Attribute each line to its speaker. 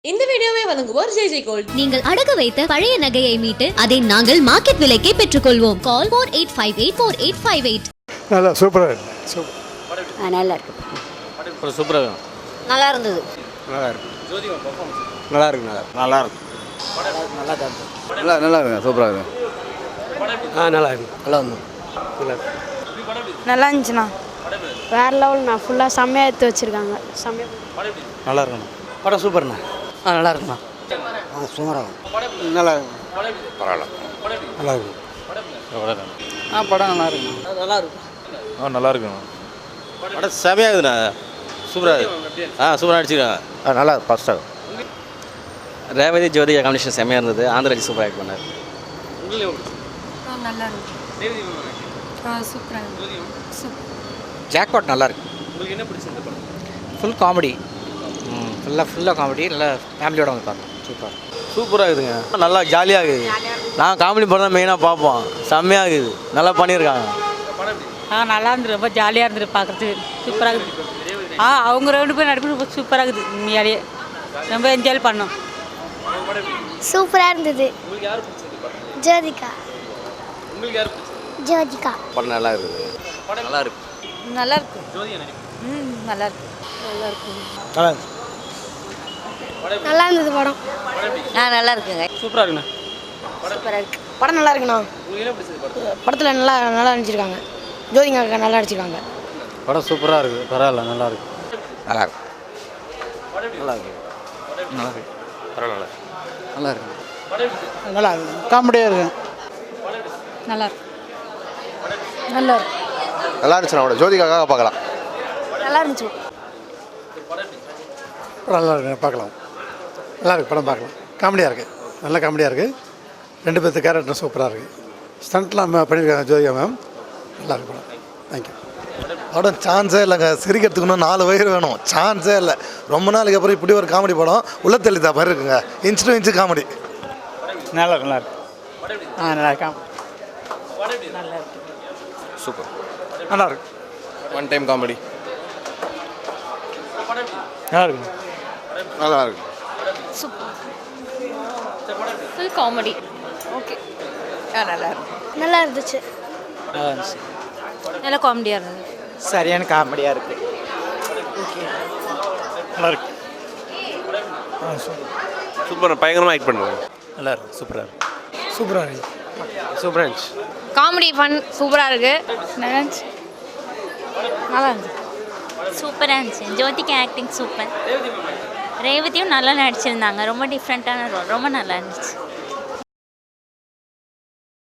Speaker 1: இந்த வீடியோவை வழங்குவோர் ஜெய் ஜெய் கோல்ட்.
Speaker 2: நீங்கள் அடகு வைத்த பழைய நகையை மீட்டு அதை நாங்கள் மார்க்கெட் விலைக்கே பெற்றுக்கொள்வோம். கால் 48584858.
Speaker 3: நல்லா சூப்பராக இருக்கு.
Speaker 4: நல்லா இருக்கு.
Speaker 5: சூப்பராக இருக்கும்.
Speaker 4: நல்லா இருந்தது.
Speaker 5: நல்லா இருக்கு. நல்லா இருக்கு. நல்லா இருக்கு.
Speaker 3: நல்லா இருக்குங்க. சூப்பராக இருக்கு.
Speaker 5: நல்லா இருக்கு.
Speaker 3: நல்லா இருந்து
Speaker 6: நல்லா இருந்துச்சுண்ணா. வேறு லெவல்ண்ணா. ஃபுல்லாக செம்மையாக எடுத்து வச்சுருக்காங்க. செம்மையாக
Speaker 5: நல்லா இருக்குண்ணா. படம் சூப்பர்ண்ணா. நல்லா இருக்குண்ணா.
Speaker 3: சுமாராகும். நல்லா இருக்கும். பரவாயில்ல. நல்லா இருக்கும்.
Speaker 5: படம் நல்லா இருக்குண்ணா. நல்லா இருக்கும். நல்லா இருக்குண்ணா. படம் செமையாகுதுண்ணா. சூப்பராக இருக்கு. சூப்பராக அடிச்சுருக்காங்க. நல்லா ஃபஸ்ட்டாக ரேவதி ஜோதி காம்பினேஷன் செம்மையாக இருந்தது. ஆந்திராஜி சூப்பராக ஆக்ட் பண்ணார்.
Speaker 6: நல்லா இருந்துச்சு. சூப்பராக
Speaker 5: ஜாக்பாட் நல்லா இருக்கு. உங்களுக்கு என்ன பிடிச்சிருந்த படம்? Full comedy. ஃபுல்லாக காமெடி. நல்லா ஃபேமிலியோட வந்து பார்க்கலாம். சூப்பராக இருக்குதுங்க. நல்லா ஜாலியாக இருக்குது. நான் காமெடி படம் தான் மெயினாக பார்ப்போம். செம்மையாக இருக்குது. நல்லா பண்ணியிருக்காங்க.
Speaker 6: நல்லா இருந்துரு. ரொம்ப ஜாலியாக இருந்துரு பார்க்குறதுக்கு. சூப்பராக இருக்குது. அவங்க ரெண்டு பேரும் நடிப்பு ரொம்ப சூப்பராக இருக்குது. உண்மையாலேயே ரொம்ப என்ஜாய் பண்ணோம்.
Speaker 7: சூப்பராக இருந்தது. ஜோதிகா. ஜோதிகா
Speaker 5: படம் நல்லா இருக்குது. நல்லா இருக்கு.
Speaker 6: நல்லா இருக்கு. நல்லா இருக்கு. நல்லா இருக்கு.
Speaker 7: நல்லா இருந்தது படம்.
Speaker 4: நல்லா இருக்குங்க.
Speaker 5: சூப்பராக இருக்குண்ணா.
Speaker 6: சூப்பராக இருக்கு. படம் நல்லா இருக்குண்ணா. படத்தில் நல்லா நல்லா நடிச்சிருக்காங்க. ஜோதிகா நல்லா நடிச்சிருக்காங்க.
Speaker 5: படம் சூப்பராக இருக்குது. பரவாயில்ல. நல்லா இருக்கு. நல்லா இருக்கு. நல்லா இருக்கு. நல்லா இருக்கு. பரவாயில்ல. நல்லா இருக்கு.
Speaker 3: நல்லா இருக்கு. காமெடியாக இருக்கு.
Speaker 6: நல்லா இருக்கு. நல்லா இருக்கு.
Speaker 5: நல்லா இருந்துச்சுண்ணா. அவட ஜோதிகாக்காக பார்க்கலாம்.
Speaker 6: நல்லா இருந்துச்சு.
Speaker 3: நல்லா இருக்கு. பார்க்கலாம். நல்லா இருக்கு. படம் பார்க்கலாம். காமெடியாக இருக்குது. நல்ல காமெடியாக இருக்குது. ரெண்டு பேர்த்து கேரக்டர் சூப்பராக இருக்குது. ஸ்டண்ட்லாம் பண்ணியிருக்காங்க ஜோதிகா மேம். நல்லா இருக்கு படம். தேங்க்யூ.
Speaker 8: படம் சான்ஸே இல்லைங்க. சிரிக்கிறதுக்கு இன்னும் 4 வயிறு வேணும். சான்ஸே இல்லை. ரொம்ப நாளைக்கு அப்புறம் இப்படி ஒரு காமெடி படம் உள்ள தெளிதா மாதிரி இருக்குங்க. Inch to inch comedy.
Speaker 3: நல்லா இருக்கு. நல்லா இருக்கு. நல்லா இருக்கா.
Speaker 5: சூப்பர்.
Speaker 3: நல்லா இருக்கு.
Speaker 5: One time comedy.
Speaker 3: நல்லா இருக்கு.
Speaker 8: நல்லா இருக்கு.
Speaker 2: Full comedy.
Speaker 6: ஓகே. நல்லா இருக்கு.
Speaker 7: நல்லா இருந்துச்சு.
Speaker 5: நல்லா இருந்துச்சு.
Speaker 6: நல்லா காமெடியாக இருந்தது.
Speaker 5: சரியான காமெடியாக இருக்குது.
Speaker 3: நல்லா இருக்கு.
Speaker 5: சூப்பர். பயங்கரமாக ஆக்ட் பண்ணுறாங்க. நல்லா இருக்கு. சூப்பராக இருக்கு.
Speaker 3: சூப்பராக இருக்கு.
Speaker 5: சூப்பராக இருந்துச்சு.
Speaker 6: காமெடி ஃபன் சூப்பராக இருக்கு. நல்லா இருந்துச்சு. நல்லா இருந்துச்சு.
Speaker 4: சூப்பராக இருந்துச்சு. Jyothika acting super. ரேவதியும் நல்லா நடிச்சிருந்தாங்க. ரொம்ப டிஃப்ரெண்ட்டான ரோல். ரொம்ப நல்லா இருந்துச்சு.